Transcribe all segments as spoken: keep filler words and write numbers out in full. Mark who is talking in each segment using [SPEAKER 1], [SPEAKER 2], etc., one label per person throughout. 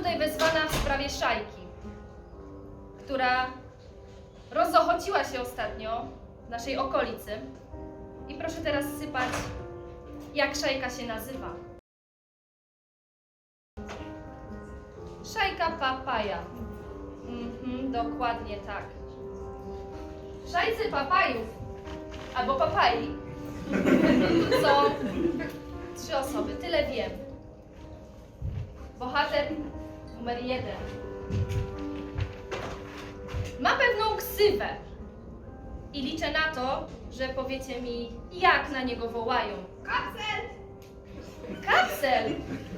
[SPEAKER 1] tutaj wezwana w sprawie szajki, która rozochociła się ostatnio w naszej okolicy. I proszę teraz sypać, jak szajka się nazywa. Szajka Papaja. Mhm, dokładnie tak. W szajce papajów, albo papai, są trzy osoby, tyle wiem. Bohater numer jeden ma pewną ksywę i liczę na to, że powiecie mi, jak na niego wołają. Kapsel! Kapsel!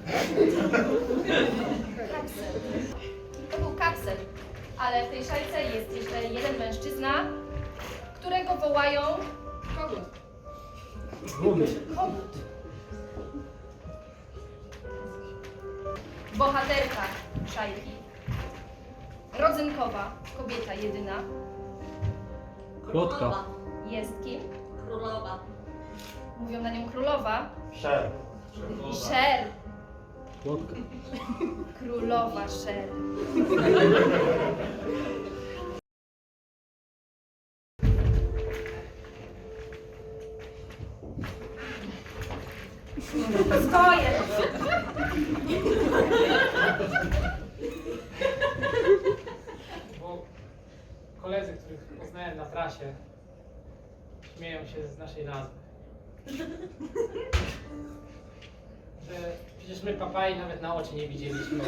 [SPEAKER 1] Kapsel. To był Kapsel, ale w tej szajce jest jeszcze jeden mężczyzna, którego wołają Kogut. Kogut. Bohaterka szajki. Rodzynkowa, kobieta jedyna.
[SPEAKER 2] Plotka.
[SPEAKER 1] Jest kim?
[SPEAKER 3] Królowa.
[SPEAKER 1] Mówią na nią królowa.
[SPEAKER 4] Szer.
[SPEAKER 1] Szer.
[SPEAKER 2] Plotka.
[SPEAKER 1] Królowa Szer. Stoję!
[SPEAKER 5] Bo koledzy, których poznałem na trasie, śmieją się z naszej nazwy. Że przecież my papai nawet na oczy nie widzieliśmy.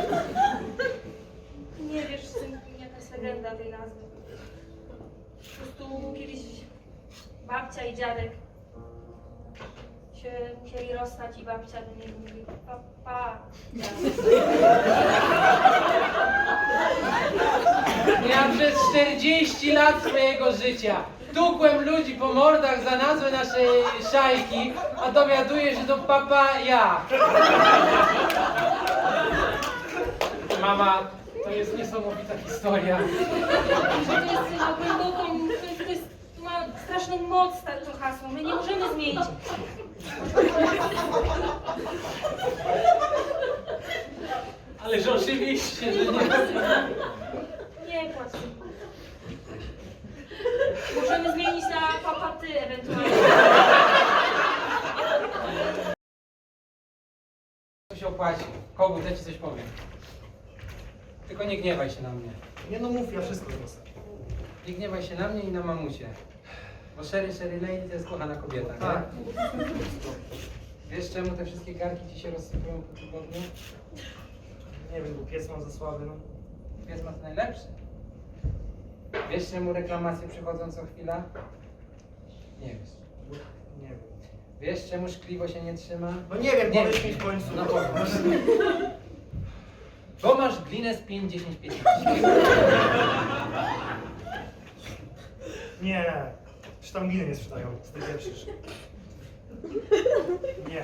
[SPEAKER 6] Nie wiesz, synku, jaka jest legenda tej nazwy. Po prostu kiedyś babcia i dziadek się musieli rozstać i babcia do niego mówi papa.
[SPEAKER 5] Ja przez czterdzieści lat swojego życia tukłem ludzi po mordach za nazwę naszej szajki, a dowiaduję się, że to papa ja. Mama, to jest niesamowita historia.
[SPEAKER 6] Że to jest na głęboką, to jest, to jest, to ma straszną moc to hasło, my nie możemy zmienić.
[SPEAKER 5] Ależ oczywiście, że nie.
[SPEAKER 6] Nie płacz, synku. Możemy zmienić na papa ty ewentualnie.
[SPEAKER 5] To się opłaci. Kogut, ja ci coś powiem. Tylko nie gniewaj się na mnie.
[SPEAKER 4] Nie no mów, ja wszystko zrozumiem.
[SPEAKER 5] Nie gniewaj się na mnie i na mamusie. Bo Sherry Sherry Lady to jest kochana kobieta, nie?
[SPEAKER 4] Tak.
[SPEAKER 5] Wiesz czemu te wszystkie garki ci się rozsypują po tygodniu?
[SPEAKER 4] Nie wiem, bo pies mam za słaby, no.
[SPEAKER 5] Pies ma to najlepszy. Wiesz czemu reklamacje przychodzą co chwila? Nie wiesz.
[SPEAKER 4] Nie wiem.
[SPEAKER 5] Wiesz czemu szkliwo się nie trzyma?
[SPEAKER 4] No nie wiem,
[SPEAKER 5] Nie
[SPEAKER 4] powiedz
[SPEAKER 5] wiem.
[SPEAKER 4] mi w końcu.
[SPEAKER 5] No powiedz. Bo masz glinę z pięć, dziesięć, piętnaście.
[SPEAKER 4] Nie. Czy tam gliny nie sprzedają? Z tej pierwszy. Nie.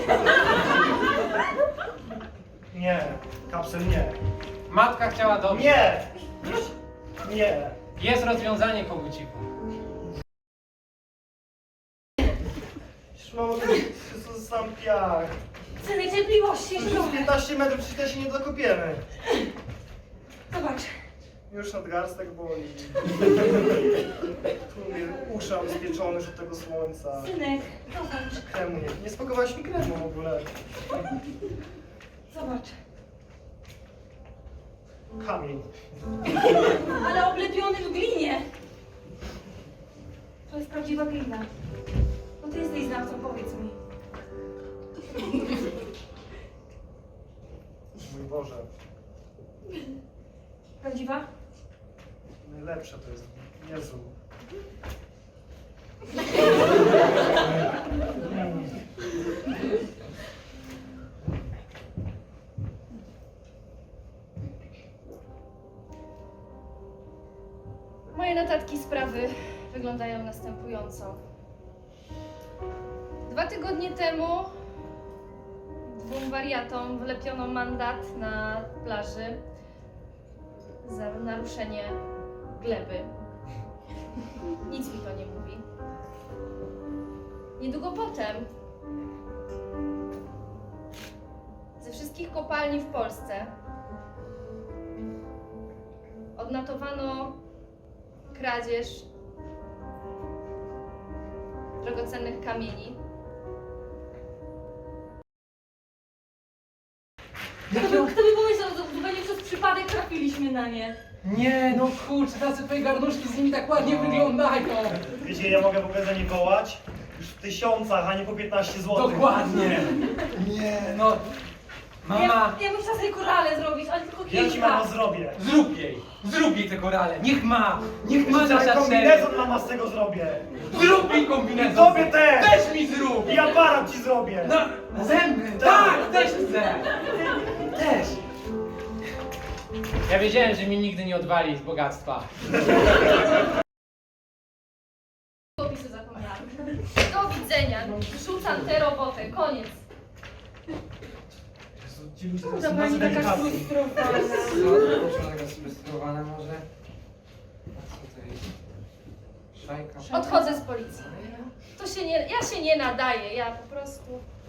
[SPEAKER 4] Nie. Kapsel nie.
[SPEAKER 5] Matka chciała dobrze.
[SPEAKER 4] Nie! Nie.
[SPEAKER 5] Jest rozwiązanie, koguciku.
[SPEAKER 4] Szło, to jest sam piach.
[SPEAKER 6] Synek, cierpliwości, jeszcze
[SPEAKER 4] Z
[SPEAKER 6] trochę.
[SPEAKER 4] piętnaście metrów przecież się nie dokopiemy.
[SPEAKER 6] Zobacz.
[SPEAKER 4] Już nadgarstek boli. Tu mnie uszam spieczony już od tego słońca.
[SPEAKER 6] Synek, zobacz.
[SPEAKER 4] Kremu nie. Nie spakowałaś mi kremu w ogóle.
[SPEAKER 6] Zobacz.
[SPEAKER 4] Kamień.
[SPEAKER 6] Ale oblepiony w glinie. To jest prawdziwa glina. No ty jesteś znawcą, powiedz mi.
[SPEAKER 4] Mój Boże.
[SPEAKER 6] Prawdziwa?
[SPEAKER 4] Najlepsze to jest. Jezu.
[SPEAKER 1] Moje notatki sprawy wyglądają następująco. Dwa tygodnie temu dwóm wariatom wlepiono mandat na plaży za naruszenie gleby. Nic mi to nie mówi. Niedługo potem ze wszystkich kopalni w Polsce odnotowano kradzież drogocennych kamieni.
[SPEAKER 6] Kto by, kto by pomyślał, że zupełnie przez przypadek trafiliśmy na nie.
[SPEAKER 5] Nie, no kurczę, tacy twoje garnuszki z nimi tak ładnie wyglądają.
[SPEAKER 4] Wiecie, ja mogę w ogóle za nie wołać? Już w tysiącach, a nie po piętnaście złotych.
[SPEAKER 5] Dokładnie. Nie, no. Mama,
[SPEAKER 6] Ja, ja bym chciała sobie korale zrobić, ale tylko kilka.
[SPEAKER 4] Ja ci mamo zrobię.
[SPEAKER 5] zrób jej, zrób jej te korale. Niech ma, niech ma
[SPEAKER 4] Jeszcze
[SPEAKER 5] nasza
[SPEAKER 4] cały
[SPEAKER 5] seria.
[SPEAKER 4] kombinezon mama z tego zrobię.
[SPEAKER 5] Zrób jej kombinezon.
[SPEAKER 4] Tobie też.
[SPEAKER 5] Też mi zrób.
[SPEAKER 4] I aparat ci zrobię.
[SPEAKER 5] No, zęby, tak, też chcę. Też. Ja wiedziałem, że mi nigdy nie odwali z bogactwa.
[SPEAKER 1] Opisy zapomniałam. Do widzenia. Rzucam tę robotę. Koniec.
[SPEAKER 6] Ta pani taka frustrowana.
[SPEAKER 2] Co? Taka sfrustrowana może? A co to jest? Szajka?
[SPEAKER 1] Odchodzę z policji. To się nie, ja się nie nadaję. Ja po prostu